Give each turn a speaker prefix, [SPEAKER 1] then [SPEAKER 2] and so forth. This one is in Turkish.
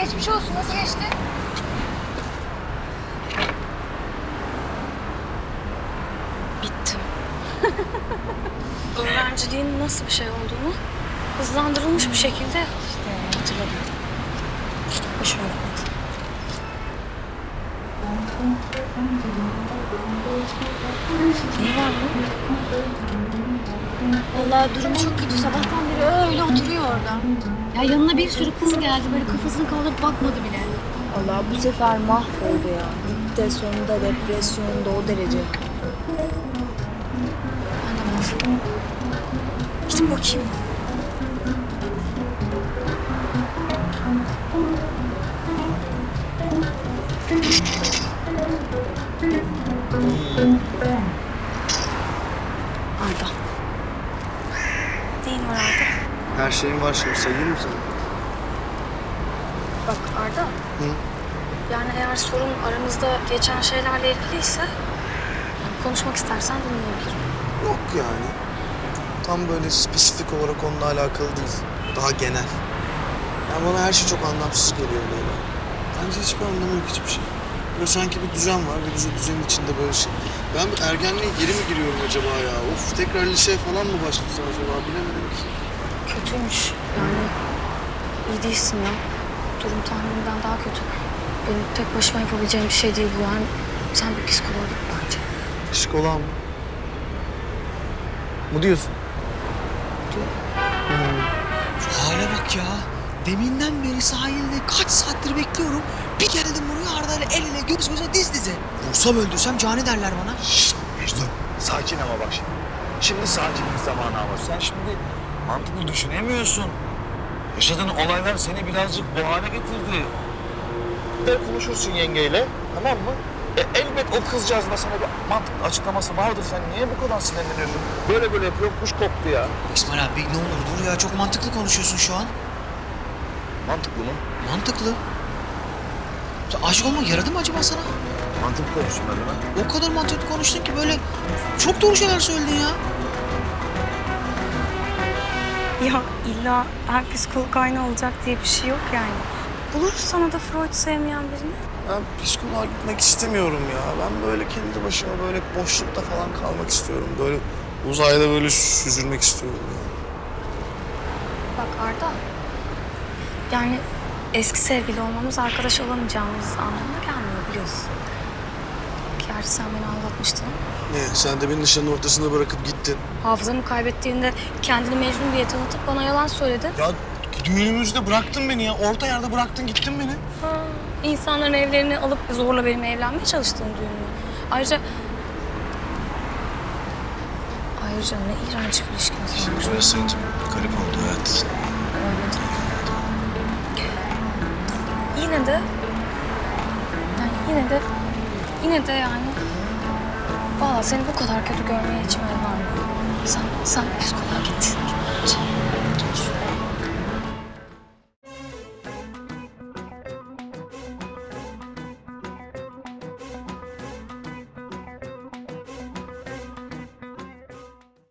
[SPEAKER 1] geçmiş olsun. Nasıl geçti?
[SPEAKER 2] Bittim. Öğrenciliğin nasıl bir şey olduğunu hızlandırılmış bir şekilde hatırladım. Hoşuma gitmedi. Neyi var bunun?
[SPEAKER 1] Vallahi durumu çok kötü. Sabahtan beri öyle oturuyor orada.
[SPEAKER 2] Ya yanına bir sürü kız geldi. Böyle kafasını kaldırıp bakmadı bile.
[SPEAKER 1] Vallahi bu sefer mahvoldu ya. Depresyonda, depresyonda o derece.
[SPEAKER 2] Ben de mahvoldum. Gidin bakayım. Arda. Neyin var Arda?
[SPEAKER 3] Her şeyin var şimdi, sayayım mı sana?
[SPEAKER 2] Bak Arda.
[SPEAKER 3] Hı?
[SPEAKER 2] Yani eğer sorun aramızda geçen şeylerle ilgiliyse yani konuşmak istersen dinleyebilirim.
[SPEAKER 3] Yok yani. Tam böyle spesifik olarak onunla alakalı değil. Daha genel. Yani bana her şey çok anlamsız geliyor Leyla. Bence hiçbir anlamı yok, hiçbir şey. Böyle sanki bir düzen var ve biz o düzenin içinde böyle şey. Ben bu ergenliğe geri mi giriyorum acaba ya? Of, tekrar liseye falan mı başlasam acaba, bilemedim ki.
[SPEAKER 2] Kötüymüş. Yani iyi değilsin ya. Durum tahminimden daha kötü. Benim tek başıma yapabileceğim bir şey değil bu yani. Sen bir psikoloğa git bence.
[SPEAKER 3] Psikoloğa mı? Mu diyorsun?
[SPEAKER 2] Diyor.
[SPEAKER 4] Şu hale bak ya. Deminden beri sahilde kaç saattir bekliyorum. Bir geldim buraya Arda'yla el ele, göz göze, diz dize. Vursam öldürsem cani derler bana.
[SPEAKER 5] Mecnun, sakin ama bak şimdi. Şimdi sakinlik zamanı ama sen şimdi mantıklı düşünemiyorsun. Yaşadığın olaylar seni birazcık bu hale getirdi. Bir konuşursun yengeyle, tamam mı? Elbet o kızcağızın da sana bir mantıklı açıklaması vardır. Sen niye bu kadar sinirleniyorsun? Böyle böyle yapıyor, kuş koktu ya.
[SPEAKER 4] İsmail abi ne olur dur ya, çok mantıklı konuşuyorsun şu an.
[SPEAKER 5] Mantıklı mı?
[SPEAKER 4] Mantıklı. Sen aşık olmak yaradı mı acaba sana?
[SPEAKER 5] Mantıklı konuşsun hadi lan.
[SPEAKER 4] O kadar mantıklı konuştun ki böyle çok doğru şeyler söyledin ya.
[SPEAKER 2] Ya illa her psikolog aynı olacak diye bir şey yok yani. Buluruz sana da Freud sevmeyen birini.
[SPEAKER 3] Ben psikoloğa gitmek istemiyorum ya. Ben böyle kendi başıma böyle boşlukta falan kalmak istiyorum. Böyle uzayda böyle süzülmek istiyorum ya.
[SPEAKER 2] Bak Arda. Yani eski sevgili olmamız arkadaş olamayacağımız anlamına gelmiyor biliyorsun. Gerçi sen beni aldatmıştın ama.
[SPEAKER 3] Ne? Sen de beni nişanın ortasında bırakıp gittin.
[SPEAKER 2] Hafızamı kaybettiğinde kendini Mecnun diye tanıtıp bana yalan söyledin.
[SPEAKER 3] Ya düğünümüzde bıraktın beni ya. Orta yerde bıraktın gittin beni.
[SPEAKER 2] Ha, insanların evlerini alıp zorla benimle evlenmeye çalıştığın düğün mü? Ayrıca ne iğrenç bir ilişkimiz var.
[SPEAKER 3] Biraz sence garip oldu hayat.
[SPEAKER 2] Yine de yani vallahi seni bu kadar kötü görmeye içim el vermiyor. Sen psikoloğa git.